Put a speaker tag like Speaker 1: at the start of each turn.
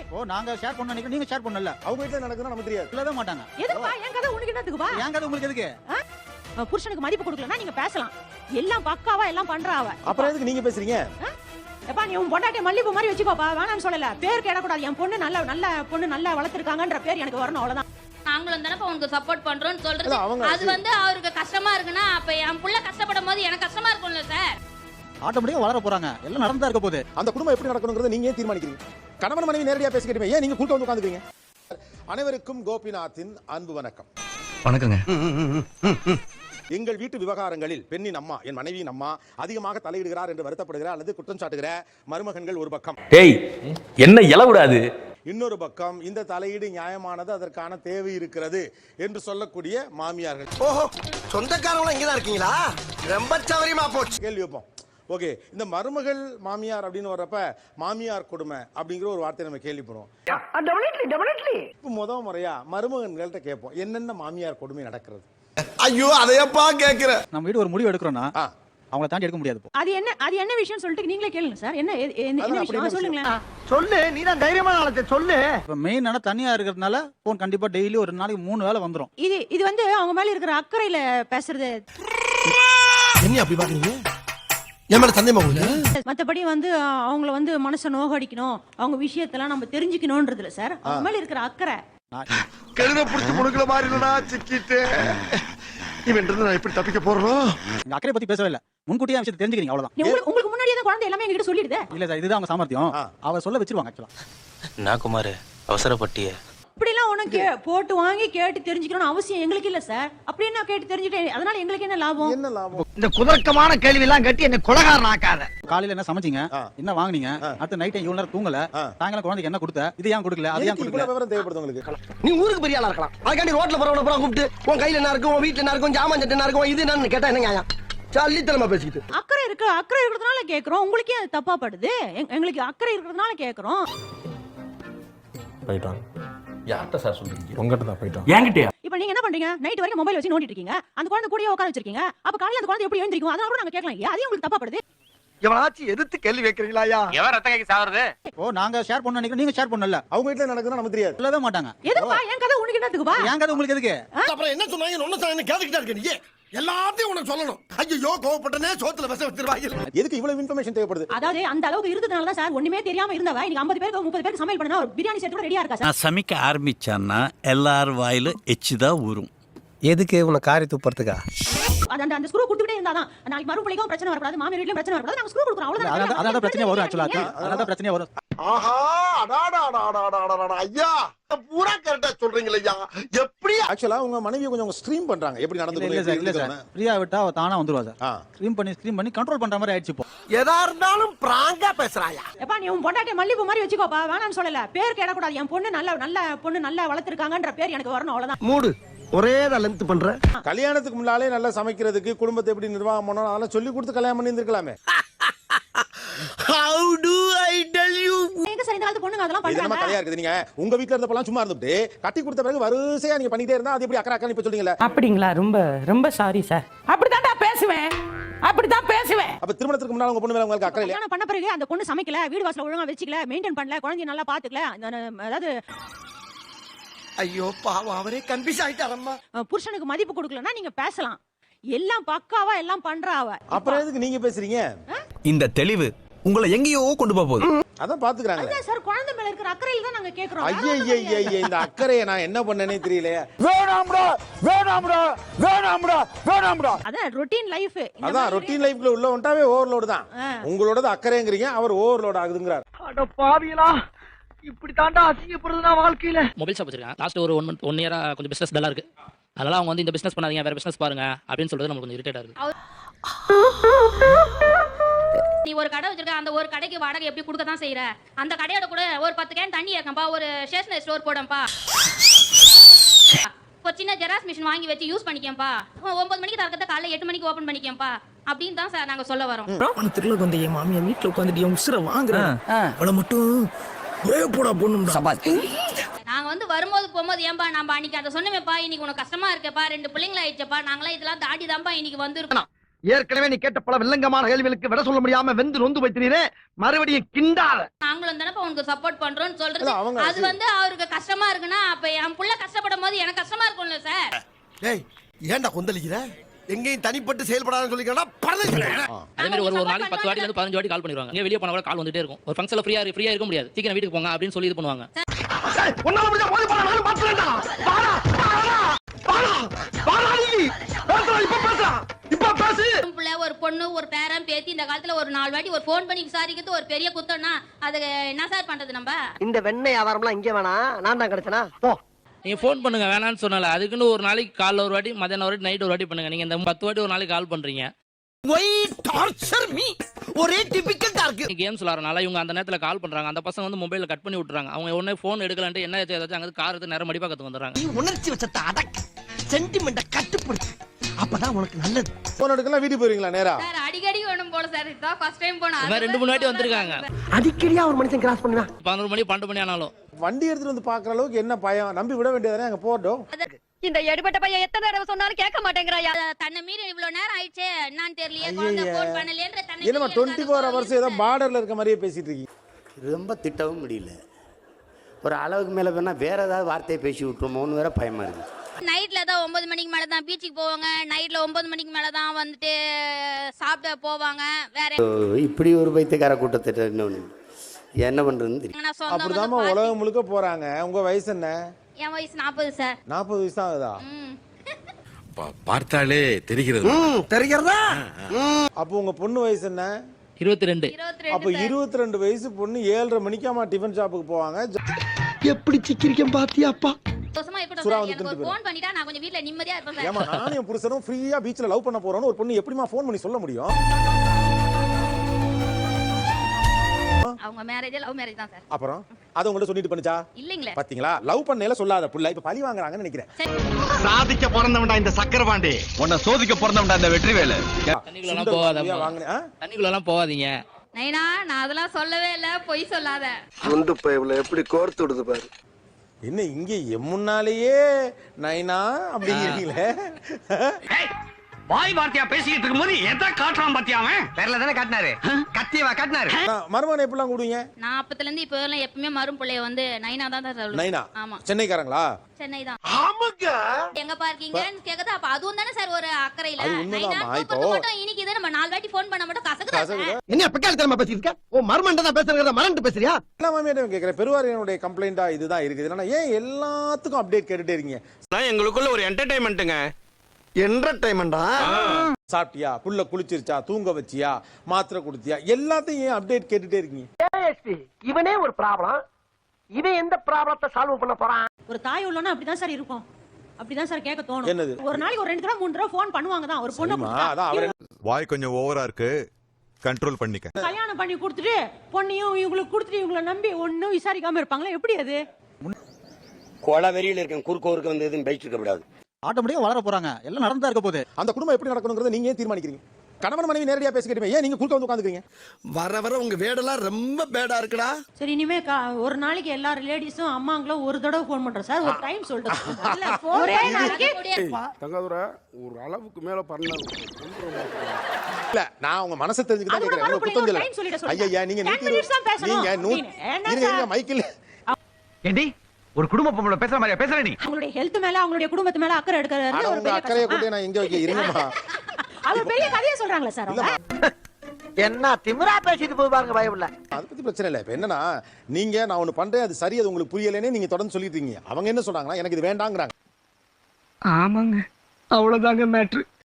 Speaker 1: ஓ நாங்க ஷேர் பண்ண நினைக்கிறோம், நீங்க ஷேர் பண்ணல.
Speaker 2: அவங்க வீட்ல நடக்குதுன்னா நமக்கு தெரியாது.
Speaker 1: சொல்லவே மாட்டாங்க.
Speaker 3: எதுக்குப்பா என் கதை உனக்கு என்னத்துக்குப்பா?
Speaker 1: என் கதை உங்களுக்கு எதுக்கு?
Speaker 3: புருஷனுக்கு மதிப்பு கொடுக்கலன்னா நீங்க பேசலாம். எல்லாம் பக்காவா எல்லாம் பண்றாவ.
Speaker 2: அப்புறம் எதுக்கு நீங்க பேசுறீங்க?
Speaker 3: எப்பா நீ உன் பொண்டாட்டிய மல்லிப்பூ மாதிரி வச்சுக்கோப்பா. வேணாம்னு சொல்லல. பேர் கேடக்கூடாது. என் பொண்ணு நல்ல பொண்ணு நல்லா வளர்த்திருக்காங்கன்ற பேர் எனக்கு வரணும், அவ்வளவுதான்.
Speaker 4: நாங்களும் தானே உனக்கு சப்போர்ட் பண்றோம்னு சொல்றது. அது வந்து அவருக்கு கஷ்டமா இருக்குன்னா அப்ப என் புள்ள கஷ்டப்படும் போது எனக்கு கஷ்டமா இருக்கும்ல சார்.
Speaker 1: ஆட்டோமேட்டிக்கா வளர போறாங்க, எல்லாம் நடந்தா இருக்க போகுது.
Speaker 2: அந்த குடும்பம் எப்படி நடக்கணும்ங்கறத நீங்க ஏன் தீர்மானிக்கிறீங்க? கணவன் மனைவி நேரடியா பேசிக்கிட்டீங்க, ஏன் நீங்க குறுக்க வந்து உட்கார்ந்துக்கிறீங்க? அனைவருக்கும் கோபிநாத்தின் அன்பு வணக்கம்.
Speaker 5: வணக்கங்க.
Speaker 2: எங்கள் வீட்டு விவகாரங்களில் பெண்ணின் அம்மா, என் மனைவியின் அம்மா அதிகமாக தலையிடுகிறார் என்று வருத்தப்படுகிறார் அல்லது குற்றம் சாட்டுகிற மருமகன்கள் ஒரு பக்கம்.
Speaker 5: டேய் என்ன இலவுடாது.
Speaker 2: இன்னொரு பக்கம் இந்த தலையீடு நியாயமானது, அதற்கான தேவை இருக்கிறது என்று சொல்லக்கூடிய மாமியார்கள்.
Speaker 6: ஓஹோ, சொந்தக்காரங்க இங்கதான் இருக்கீங்களா? ரொம்ப சௌரியமா போச்சு.
Speaker 2: கேள்வி வைப்போம். ஓகே, இந்த மருமகள் மாமியார் அப்படின்னு வர்றப்ப மாமியார் கொடுமை அப்படிங்கிற ஒரு வார்த்தையை நம்ம கேள்விப்படுவோம். இப்போ முத முறையா மருமகன்கள்ட்ட கேட்போம், என்னென்ன மாமியார் கொடுமை நடக்கிறது?
Speaker 6: ஐயோ அதையப்பா கேக்குற.
Speaker 1: நம்ம வீடு ஒரு முடிவு எடுக்கிறோம்னா அவங்கள தாண்டி எடுக்க முடியாது.
Speaker 3: அது என்ன விஷயம் சொல்லிட்டு நீங்களே கேளுங்க சார். என்ன விஷயம் சொல்லுங்களேன்.
Speaker 6: சொல்லு, நீ தான் தைரியமான ஆளத்தை சொல்லு.
Speaker 1: இப்ப மெயின் ஆன தனியா இருக்கிறதுனால போன் கண்டிப்பா டெய்லி ஒரு நாளைக்கு 3 வேளை வந்துரும்.
Speaker 3: இது வந்து அவங்க மேல இருக்கிற அக்கறையில பேசுறது.
Speaker 6: என்ன அப்படி பாக்குறீங்க? என் மேல சந்தேகமா உங்களுக்கு?
Speaker 3: மத்தபடி வந்து அவங்கள வந்து மனசை நோகடிக்கணும், அவங்க விஷயத்தெல்லாம் நம்ம தெரிஞ்சுக்கணும்ன்றதுல சார் அவங்க மேல இருக்கிற அக்கறை.
Speaker 6: கழுத புடிச்சு முடுக்கல மாதிரி இல்லடா, சிக்கிட்டு இவன் நான் எப்படி தப்பிக்க போறோம்?
Speaker 1: இந்த அக்கறை பத்தி பேசவே இல்ல, முன்கூட்டியே விஷயத்தை தெரிஞ்சுக்கிறீங்க, அவ்வளவுதான்.
Speaker 3: உங்களுக்கு முன்னாடியே தான் குழந்தை எல்லாமே எங்ககிட்ட சொல்லிடுது.
Speaker 1: இல்ல சார், இதுதான் அவங்க சாமர்த்தியம். அவ சொல்ல வச்சிருவாங்க. ஆக்சுவலா
Speaker 5: நான் குமார் அவசரப்பட்டியே
Speaker 3: இப்படிலாம் உனக்கு போட்டு வாங்கி கேட்டு தெரிஞ்சுக்கணும்னு அவசியம் எங்களுக்கு இல்ல சார். அப்படி என்ன கேட்டு தெரிஞ்சுட்டேன், அதனால எங்களுக்கு என்ன லாபம்?
Speaker 2: என்ன லாபம்?
Speaker 6: இந்த குதர்க்கமான கேள்வி எல்லாம் கட்டி என்ன கொலகாரன் ஆக்காத.
Speaker 1: காலையில என்ன சமைச்சீங்க, என்ன வாங்குனீங்க, அடுத்த நைட் இவ்வளவு நேரம் தூங்கல, சாயங்காலம் குழந்தைக்கு என்ன கொடுத்த, இது ஏன் கொடுக்கல, அது ஏன் கொடுக்கல,
Speaker 2: விவரம் தேவைப்படுது உங்களுக்கு.
Speaker 6: நீ ஊருக்கு பெரிய ஆளா இருக்கலாம், அதுக்காண்டி ரோட்ல போறவன பூரா கூப்பிட்டு உன் கையில என்ன இருக்கும், உன் வீட்டுல என்ன இருக்கும், ஜாமான் சட்டை என்ன இருக்கும், இது என்னன்னு கேட்டா என்ன நியாயம்? சல்லித்தனமா பேசிக்கிட்டு.
Speaker 3: அக்கறை இருக்கிறதுனால கேக்குறோம். உங்களுக்கே அது தப்பா படுது. எங்களுக்கு அக்கறை இருக்கிறதுனால கேக்குறோம்.
Speaker 5: போயிட்டான். யார்கிட்ட சார் சொல்றீங்க?
Speaker 7: உங்ககிட்ட தான் போயிட்டான்.
Speaker 5: என்கிட்டயா?
Speaker 3: இப்போ நீங்க என்ன பண்றீங்க? நைட் வரைக்கும் மொபைல் வச்சு நோண்டிட்டு இருக்கீங்க. அந்த குழந்தை கூடயே உட்கார வச்சிருக்கீங்க. அப்ப காலையில அந்த குழந்தை எப்படி எழுந்திருக்கும்? அதனால கூட நாங்க கேட்கலாம். அது உங்களுக்கு தப்பா படுது.
Speaker 6: எவனாச்சும் எதிர்த்து கேள்வி வைக்கிறீங்களாயா?
Speaker 5: எவன் ரத்த கைக்கு சாவறது?
Speaker 1: ஓ நாங்க ஷேர் பண்ண நினைக்கிறோம், நீங்க ஷேர் பண்ணல.
Speaker 2: அவங்க வீட்ல நடக்குதுன்னா நமக்கு தெரியாது.
Speaker 1: சொல்லவே மாட்டாங்க.
Speaker 3: எதுக்குப்பா என் கதை உனக்கு என்னத்துக்குப்பா?
Speaker 1: என் கதை உங்களுக்கு எதுக்கு?
Speaker 6: அப்புறம் என்ன சொன்னாங்க? ஒண்ணு சொன்னாங்க கேட்டுக்கிட்டே இருக்க நீ. எல்லாத்தையும் உனக்கு சொல்லணும். ஐயோ கோவப்பட்டனே, சோத்துல விஷம் வச்சிருவாங்க.
Speaker 2: எதுக்கு இவ்வளவு இன்ஃபர்மேஷன் தேவைப்படுது?
Speaker 3: அதாவது அந்த அளவுக்கு இருந்ததுனால தான் சார் ஒண்ணுமே தெரியாம இருந்தவ இன்னைக்கு 50 பேருக்கு 30 பேருக்கு சமையல் பண்ணா ஒரு பிரியாணி செட் கூட ரெடியா இருக்கா சார்.
Speaker 8: நான் சமைக்க ஆரம்பிச்சான்னா எல்லார் வாயில எச்சுதான் ஊறும்.
Speaker 7: எதுக்கு உன காரி துப்புறதுக்கா?
Speaker 3: அந்த ஸ்க்ரூ கொடுத்துட்டே இருந்தாதான் நாளைக்கு மறுபடியும் பிரச்சனை வரக்கூடாது, மாமியார் வீட்லயும் பிரச்சனை வரக்கூடாது. நாங்க ஸ்க்ரூ கொடுக்குறோம், அவ்வளவுதான்.
Speaker 1: அதான் பிரச்சனை வரும். ஆக்சுவலா அதான் பிரச்சனை வரும்.
Speaker 6: ஆஹா, அடாடாடாடாடாடா ஐயா, பூரா கரெக்டா சொல்றீங்களே ஐயா. எப்படி
Speaker 2: ஆக்சுவலா உங்க மனைவி கொஞ்சம் ஸ்ட்ரீம் பண்றாங்க, எப்படி நடந்து
Speaker 1: இல்ல சார், இல்ல சார், ஃப்ரீயா விட்டா அவ தானா வந்துருவா சார். ஸ்ட்ரீம் பண்ணி கண்ட்ரோல் பண்ற மாதிரி ஆயிடுச்சு இப்போ.
Speaker 6: எதா இருந்தாலும் பிராங்கா பேசுறாயா?
Speaker 3: எப்பா நீ உன் பொண்டாட்டிய மல்லிப்பூ மாதிரி வச்சுக்கோப்பா. வேணாம்னு சொல்லல. பேர் கேடக்கூடாது. என் பொண்ணு நல்ல பொண்ணு நல்லா வளர்த்திருக்காங்கன்ற பேர் எனக்கு வரணும், அவ்வளவுதான்.
Speaker 6: மூடு ஒரே தான் லென்த் பண்ற.
Speaker 2: கல்யாணத்துக்கு முன்னாலே நல்லா சமைக்கிறதுக்கு, குடும்பத்தை எப்படி நிர்வாகம் பண்ணணும் அதெல்லாம் சொல்லி கொடுத்து கல்யாணம் பண்ணி இருந்திருக்கலாமே.
Speaker 6: How do I tell you?
Speaker 3: எங்க சார் இந்த காலத்து பொண்ணுங்க அதெல்லாம்
Speaker 2: இது நம்ம
Speaker 3: பண்றாங்க?
Speaker 2: கதையா இருக்குது. நீங்க உங்க வீட்ல இருந்தப்பலாம் சும்மா இருந்துட்டு கட்டி கொடுத்த பிறகு வரிசையா நீங்க பண்ணிட்டே இருந்தா அது எப்படி அக்கறை இப்ப சொல்றீங்களா?
Speaker 9: அப்படிங்களா? ரொம்ப சாரி சார். அப்படிதான்டா பேசுவேன்.
Speaker 2: அப்ப திருமணத்துக்கு முன்னால உங்க பொண்ணு மேல உங்களுக்கு அக்கறை இல்ல?
Speaker 3: கல்யாணம் பண்ண பிறகு அந்த பொண்ணு சமைக்கல, வீடு வாசல ஒழுங்கா வெச்சிக்கல, மெயின்டைன் பண்ணல, குழந்தைய நல்லா பாத்துக்கல. அதாவது
Speaker 6: ஐயோ பாவம், அவரே கன்ஃபியூஸ் ஆயிட்டாரம்மா.
Speaker 3: புருஷனுக்கு மதிப்பு கொடுக்கலன்னா நீங்க பேசலாம். எல்லாம் பக்காவா எல்லாம் பண்றாவ.
Speaker 2: அப்புறம் எதுக்கு நீங்க பேசுறீங்க?
Speaker 5: இந்த தெளிவு உங்களை எங்கேயோ கொண்டு போகுது.
Speaker 2: அதான் பாத்துக்கறாங்க.
Speaker 3: அதான் சார் குழந்தை மேல இருக்கிற அக்கறையில தான் நாங்க கேக்குறோம்.
Speaker 2: ஐயே இந்த அக்கறையை நான் என்ன பண்ணனே தெரியலையே.
Speaker 6: வேணாம்டா.
Speaker 3: அதான் ரொட்டீன் லைஃப்.
Speaker 2: அதான் ரொட்டீன் லைஃப்ல உள்ள ஒன்றாவே ஓவர்லோட் தான். உங்களோடது அக்கறைங்கறீங்க, அவர் ஓவர்லோட் ஆகுதுங்கறார்.
Speaker 6: அட பாவிகளா, இப்படி தாண்டா அசிங்கப்படுறதுனா வாழ்க்கையில.
Speaker 10: மொபைல் ஷாப் வச்சிருக்கேன். லாஸ்ட் ஒரு 1 மந்த் 1 இயரா கொஞ்சம் பிசினஸ் டல்லா இருக்கு. அதனால அவங்க வந்து இந்த பிசினஸ் பண்ணாதீங்க, வேற பிசினஸ் பாருங்க அப்படின்னு சொல்றது நமக்கு கொஞ்சம் இரிட்டேட்டா இருக்கு.
Speaker 4: நீ ஒரு கடை வச்சிருக்க, அந்த ஒரு கடைக்கு வாடகை எப்படி கொடுக்க தான் செய்யற? அந்த கடையோட கூட ஒரு 10 கேன் தண்ணி ஏறக்கம்பா, ஒரு ஸ்டேஷனரி ஸ்டோர் போடம்பா, ஒரு சின்ன ஜெராக்ஸ் மிஷின் வாங்கி வச்சு யூஸ் பண்ணிக்கம்பா, 9 மணிக்கு திறக்கறத காலைல 8 மணிக்கு ஓபன் பண்ணிக்கம்பா அப்படின்னு தான் சார் நாங்க சொல்ல வரோம்.
Speaker 9: திருல வந்து என் மாமியா வீட்டுல உட்காந்துட்டு என் உசுர வாங்குறேன். அவளை மட்டும் ஒரே போடா பொண்ணும் சபாத்தி.
Speaker 4: நாங்க வந்து வரும்போது போகும்போது ஏன்பா நம்ம அன்னைக்கு அதை சொன்னமேப்பா, இன்னைக்கு உனக்கு கஷ்டமா இருக்கேப்பா, 2 பிள்ளைங்கள ஆயிடுச்சப்பா, நாங்களாம் இதெல்லாம் தாண்டி தான்ப்பா இன்னைக்கு வந்துருக்கோம்.
Speaker 6: ஏற்கனவே நீ கேட்ட பல வில்லங்கமான கேள்விகளுக்கு விட சொல்ல முடியாம வெந்து நொந்து வைத்தினீரே, மறுபடியும் கிண்டாத.
Speaker 4: நாங்களும் தானே உனக்கு சப்போர்ட் பண்றோம்னு சொல்றது.
Speaker 2: அவங்க
Speaker 4: அது வந்து அவருக்கு கஷ்டமா இருக்குன்னா அப்ப என் புள்ள கஷ்டப்படும் போது எனக்கு கஷ்டமா இருக்கும்ல சார்.
Speaker 6: டேய் ஏன்டா கொந்தளிக்கிற? எங்கேயும் தனிப்பட்டு செயல்படாதுன்னு சொல்லிக்கிறா பரவாயில்லை.
Speaker 10: அதே மாதிரி ஒரு நாளைக்கு 10 வாட்டி இருந்து 15 வாட்டி கால் பண்ணிடுவாங்க. இங்க வெளிய போனா கூட கால் வந்துட்டே இருக்கும். ஒரு ஃபங்க்ஷன்ல ஃப்ரீயா இருக்க முடியாது. சீக்கிரம் வீட்டுக்கு போங்க அப்படின்னு சொல்லி இது பண்ணுவாங்க.
Speaker 6: உன்னால முடிஞ்ச மோதி போடா, நானும் பாத்துறேன்டா. வாடா வாடா வாடா நீ பேசுடா, இப்ப பேசு.
Speaker 4: புள்ள ஒரு பொண்ணு ஒரு பேரன் பேத்தி இந்த காலத்துல ஒரு 4 வாட்டி ஒரு ஃபோன் பண்ணி விசாரிக்கிறது ஒரு பெரிய குத்தம்னா அது என்ன சார் பண்றது நம்ம?
Speaker 6: இந்த வெண்ணெய் வியாபாரம்லாம் இங்கே வேணா, நான் தான் கிடைச்சனா போ.
Speaker 10: நீங்க ஃபோன் பண்ணுங்க வேணான்னு சொன்னல. அதுக்குன்னு ஒரு நாளைக்கு காலைல ஒரு வாட்டி, மதியானம் ஒரு வாட்டி, நைட் ஒரு வாட்டி பண்ணுங்க. நீங்க இந்த 10 வாட்டி ஒரு நாளைக்கு கால் பண்றீங்க.
Speaker 6: Why torture me. ஒரே டிபிக்கல் டார்க்.
Speaker 10: கேம்ஸ் விளையாடுறனால இவங்க அந்த நேரத்துல கால் பண்றாங்க. அந்த பசங்க வந்து மொபைல கட் பண்ணி விட்டுறாங்க. அவங்க உடனே ஃபோன் எடுக்கலன்ட்டு என்ன ஏதாச்சும் அங்க கார் எடுத்து நேரம் மடிப்பா கத்து வந்துறாங்க.
Speaker 6: நீ உணர்ச்சி வச்சத அடக்கு, சென்டிமெண்ட்ட கட்டுப்படுத்து. அப்பதான் உனக்கு நல்லது.
Speaker 2: போன் எடுக்கலாம் வீட்டுக்கு போறீங்களா நேரா?
Speaker 4: சார் அடிக்கடி வேணும் போல சார். இதான் ஃபர்ஸ்ட் டைம் போனா.
Speaker 10: இந்த மாதிரி 2-3 வாட்டி வந்திருக்காங்க.
Speaker 6: அடிக்கடியா ஒரு மனுஷன் கிராஸ் பண்ணுவா.
Speaker 10: 11 மணி 12 மணி ஆனாலும்
Speaker 2: வண்டி எடுத்துட்டு வந்து பாக்குற அளவுக்கு என்ன பயம்? நம்பி விட வேண்டியதானே, அங்க போட்டோம்.
Speaker 4: இந்த எடுபட்ட பையன் எத்தனை தடவை சொன்னாலும் கேட்க மாட்டேங்கறாயா. தன்னை மீறி இவ்வளவு நேரம் ஆயிடுச்சே என்னன்னு தெரியலையே. குழந்தை ஃபோன் பண்ணலன்ற தன்னை
Speaker 2: என்னமா 24 hours ஏதோ பார்டர்ல இருக்க மாதிரியே பேசிட்டு இருக்கீங்க.
Speaker 11: ரொம்ப திட்டவும் முடியல. ஒரு அளவுக்கு மேல வேணா வேற ஏதாவது வார்த்தையை பேசி விட்டுருமோன்னு வேற பயமா இருக்கு.
Speaker 4: நைட்ல தான் 9 மணிக்கு மேல தான் பீச்சுக்கு போவாங்க. நைட்ல 9 மணிக்கு மேல தான் வந்துட்டு சாப்பிட போவாங்க. வேற
Speaker 11: இப்படி ஒரு பைத்தியக்கார கூட்டத்தை இன்னொன்னு என்ன பண்றதுன்னு தெரியும்.
Speaker 2: அப்படிதாம்மா உலகம் முழுக்க போறாங்க. உங்க வயசு என்ன?
Speaker 4: என் வயசு 40 சார்.
Speaker 2: 40 வயசு தான் ஆகுதா?
Speaker 8: பார்த்தாலே தெரிகிறது.
Speaker 6: தெரிகிறதா?
Speaker 2: அப்போ உங்க பொண்ணு வயசு என்ன?
Speaker 10: 22.
Speaker 2: அப்போ 22 வயசு பொண்ணு 7:30 மணிக்காமா டிஃபன் ஷாப்புக்கு போவாங்க.
Speaker 6: எப்படி சிக்கிரிக்கம் பாத்தியாப்பா?
Speaker 4: சந்தோஷமா இருக்கட்டும் சார். எனக்கு ஒரு ஃபோன் பண்ணிட்டா நான் கொஞ்சம் வீட்ல நிம்மதியா இருப்பேன் சார்.
Speaker 2: ஏமா நானும் என் புருஷனும் ஃப்ரீயா பீச்ல லவ் பண்ண போறோம்னு ஒரு பொண்ணு எப்படிமா ஃபோன் பண்ணி சொல்ல முடியும்?
Speaker 4: அவங்க மேரேஜ் லவ் மேரேஜ் தான் சார்.
Speaker 2: அப்புறம் அது உங்கள்ட்ட சொல்லிட்டு பண்ணுச்சா?
Speaker 4: இல்லீங்களே.
Speaker 2: பாத்தீங்களா, லவ் பண்ணேல சொல்லாத புள்ள இப்ப பழி வாங்குறாங்கன்னு நினைக்கிறேன்.
Speaker 6: சாதிக்க பிறந்தவன்டா இந்த சக்கரபாண்டி.
Speaker 5: உன்னை சோதிக்க பிறந்தவன்டா இந்த வெற்றிவேலு.
Speaker 10: தண்ணிக்குள்ளலாம் போகாதீங்க.
Speaker 2: வாங்குனேன்.
Speaker 10: தண்ணிக்குள்ளலாம் போகாதீங்க.
Speaker 4: நைனா நான் அதெல்லாம் சொல்லவே இல்ல. பொய் சொல்லாத.
Speaker 6: குண்டு பைப்ல எப்படி கோர்த்து விடுது பாரு.
Speaker 2: என்ன இங்க முன்னாலேயே நைனா அப்படிங்கிறீங்களே?
Speaker 6: வாய் வார்த்தையா பேசிக்கிட்டு இருக்கும்போது எதை காட்டுறான் பாத்தியா? அவன் பேர்ல தானே காட்டினாரு, கத்தியவா காட்டினாரு.
Speaker 2: மருமகனை எப்படிலாம் கூடுவீங்க?
Speaker 4: நான் அப்பத்துல இருந்து இப்ப எல்லாம் எப்பவுமே மரும் பிள்ளைய வந்து நைனா தான் சார் சொல்லுவேன்.
Speaker 2: நைனா?
Speaker 4: ஆமா.
Speaker 2: சென்னைக்காரங்களா?
Speaker 4: சென்னை தான்.
Speaker 6: ஆமாங்க.
Speaker 4: எங்க பார்க்கீங்கன்னு கேக்குது. அப்ப அதுவும் தானே சார் ஒரு அக்கறையில.
Speaker 2: அது உண்மைதாம்மா.
Speaker 4: நைனா
Speaker 2: இப்போ
Speaker 4: மட்டும் இன்னைக்கு இதை நம்ம 4 வாட்டி ஃபோன் பண்ண மட்டும் கசக்குதா சார்?
Speaker 6: என்ன பெக்கால தரமா பேசிட்டு இருக்க? ஓ மர்மண்டா தான் பேசுறத மறந்து பேசுறியா?
Speaker 2: எல்லா மாமியாரும் கேக்குறேன். பெருவாரியனுடைய கம்ப்ளைண்டா இதுதான் இருக்குது. என்னன்னா ஏன் எல்லாத்துக்கும் அப்டேட் கேட்டுட்டே இருக்கீங்க?
Speaker 5: எங்களுக்குள்ள ஒரு என்டர்டைன்மெண்ட்டுங்க.
Speaker 6: என்டர்டைன்மெண்டா?
Speaker 2: சாப்பிட்டியா, புள்ள குளிச்சிருச்சா, தூங்க வச்சியா, மாத்திரை கொடுத்தியா, எல்லாத்தையும் ஏன் அப்டேட் கேட்டுட்டே இருக்கீங்க?
Speaker 6: இவனே ஒரு ப்ராப்ளம். இவன் எந்த ப்ராப்ளத்தை சால்வ் பண்ண போறான்?
Speaker 3: ஒரு தாய் உள்ளவனா அப்படிதான் சார் இருக்கும். அப்படிதான் சார் கேட்க தோணும்.
Speaker 2: என்னது?
Speaker 3: ஒரு நாளைக்கு ஒரு 2 தடவை 3 தடவை ஃபோன் பண்ணுவாங்க தான் ஒரு பொண்ணு.
Speaker 2: அதான் அவரே
Speaker 12: வாய் கொஞ்சம் ஓவரா இருக்கு, கண்ட்ரோல் பண்ணிக்க.
Speaker 3: கல்யாணம் பண்ணி கொடுத்துட்டு பொண்ணையும் இவங்களுக்கு கொடுத்துட்டு இவங்களை நம்பி ஒன்னும் விசாரிக்காம இருப்பாங்களா? எப்படி அது?
Speaker 11: கொலை வெறியில இருக்கேன், குறுக்கோருக்கு வந்து எதுவும் பேசிட்டு இருக்க கூடாது.
Speaker 1: ஆட்டோமேட்டிக்கா வளர போறாங்க. எல்லாம் நடந்தா இருக்க போகுது.
Speaker 2: அந்த குடும்பம் எப்படி நடக்கணும்ங்கறத நீங்க ஏன் தீர்மானிக்கிறீங்க? கணவன் மனைவி நேரடியா பேசிக்கிட்டே ஏன் நீங்க குறுக்க வந்து உட்கார்ந்துக்கிறீங்க?
Speaker 6: வர வர உங்க வேடெல்லாம் ரொம்ப பேடா இருக்குடா.
Speaker 3: சரி இனிமே ஒரு நாளைக்கு எல்லா லேடிஸும் அம்மாங்களும் ஒரு தடவை ஃபோன் பண்றோம் சார். ஒரு டைம் சொல்லிட்டு ஒரே நாளைக்கு
Speaker 12: தங்கதுரை ஒரு அளவுக்கு மேல பண்ண
Speaker 2: இல்ல நான் உங்க மனசை தெரிஞ்சுக்க தான் கேக்குறேன். உங்க குத்தம் இல்ல. ஐயா நீங்க நீங்க மைக்கில்
Speaker 6: ஏண்டி ஒரு குடும்ப பொம்பளை பேசுற மாதிரியா பேசுற நீ?
Speaker 3: அவங்களுடைய ஹெல்த் மேல அவங்களுடைய குடும்பத்து மேல அக்கறை எடுக்கிறது ஒரு பெரிய
Speaker 2: அக்கறையை கூட நான் எங்க வைக்க இருங்கம்மா.
Speaker 3: அது பெரிய கதையா சொல்றாங்களா சார் அவங்க?
Speaker 6: என்ன திமிரா பேசிட்டு போய் பாருங்க பயமில்ல.
Speaker 2: அத பத்தி பிரச்சனை இல்ல. இப்ப என்னன்னா நீங்க நான் ஒன்னு பண்றேன் அது சரி அது உங்களுக்கு புரியலனே நீங்க தொடர்ந்து சொல்லிட்டு இருக்கீங்க. அவங்க என்ன சொல்றாங்கன்னா எனக்கு இது வேண்டாங்கறாங்க.
Speaker 9: ஆமாங்க அவ்வளவுதாங்க மேட்ரு.